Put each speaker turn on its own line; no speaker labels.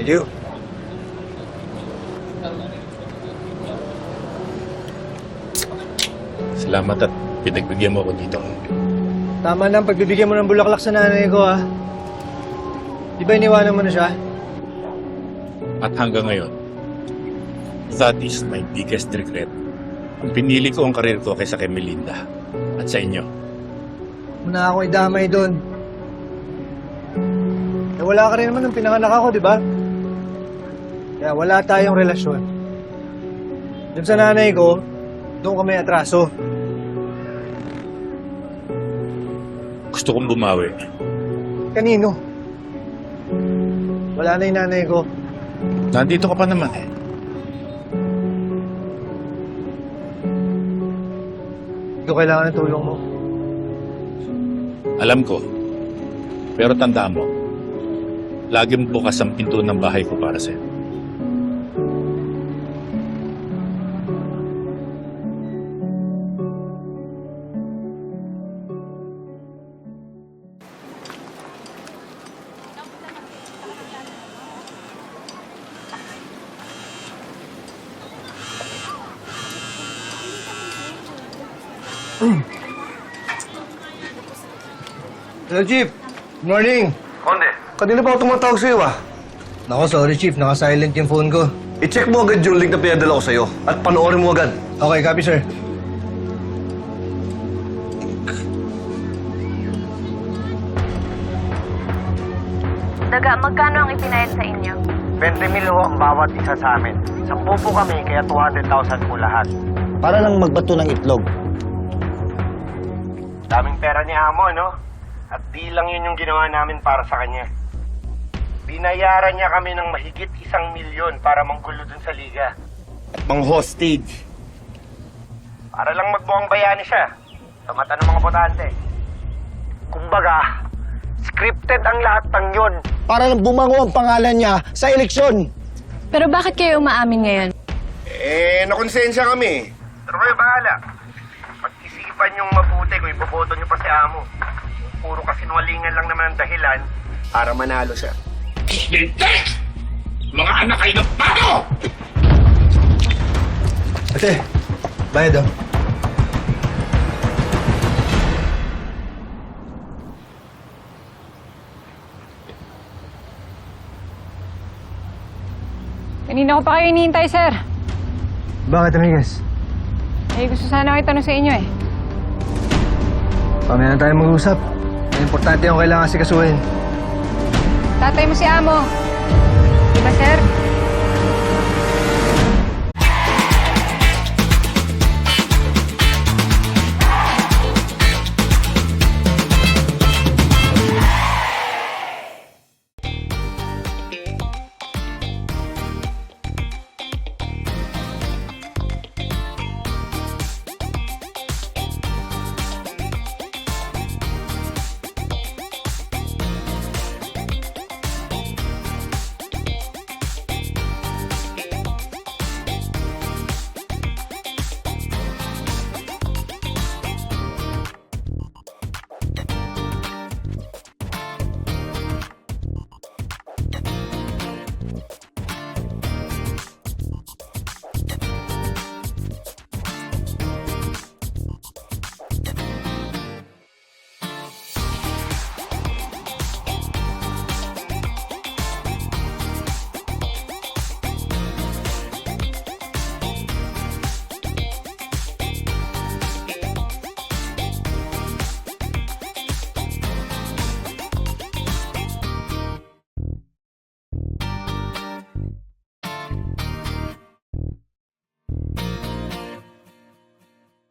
you.
Salamat at pinagbigyan mo ako dito.
Tama na ang pagbibigyan mo ng bulaklak sa nanay ko, ha? Di ba iniwanan mo na siya?
At hanggang ngayon, that is my biggest regret. Ang pinili ko ang karir ko kaysa kay Melinda at sa inyo.
Muna ako idamay doon. Eh, wala ka rin naman nung pinanganak ako, di ba? Kaya wala tayong relasyon. Doon sa nanay ko, doon kami atraso.
Gusto kong bumawi.
Kanino? Wala na yung nanay ko.
Nandito ka pa naman eh.
Hindi ko kailangan ng tulong mo.
Alam ko. Pero tandaan mo, laging bukas ang pinto ng bahay ko para sa'yo.
Hello, Chief. Good morning.
Konde,
Kanina pa ako tumatawag sa'yo, ah. Nako, sorry, Chief. Naka-silent yung phone ko.
i-check mo agad yung link na pinadala ko sa'yo at panoorin mo agad.
Okay, copy, sir.
Daga, magkano ang ipinayad sa inyo?
20 mil ho ang bawat isa sa amin. 10 po kami, kaya 200,000 po lahat.
Para lang magbato ng itlog.
Daming pera ni Amo, no? At di lang yun yung ginawa namin para sa kanya. Binayaran niya kami ng mahigit 1,000,000 para manggulo dun sa liga.
At mga hostage.
Para lang magmukhang bayani siya sa mata ng mga botante. Kumbaga, scripted ang lahat ng yun.
Para lang bumango ang pangalan niya sa eleksyon.
Pero bakit kayo umaamin ngayon?
Nakonsensya kami. Pero kayo bahala. Pag-isipan yung mabuti kung iboboto niyo pa si Amo. Puro kasinwalingan lang naman ang dahilan para manalo siya.
Mga anak kayo ng pato!
Ate, bayad, oh.
Kanina ko pa kayo hinihintay, sir.
Bakit, Amigas?
Eh, gusto sana kayo tanong sa inyo eh.
Pamaya na tayo mag-usap. Ang importante yung kailangan sikasuhin.
Tatay mo si Amo. Di ba, sir?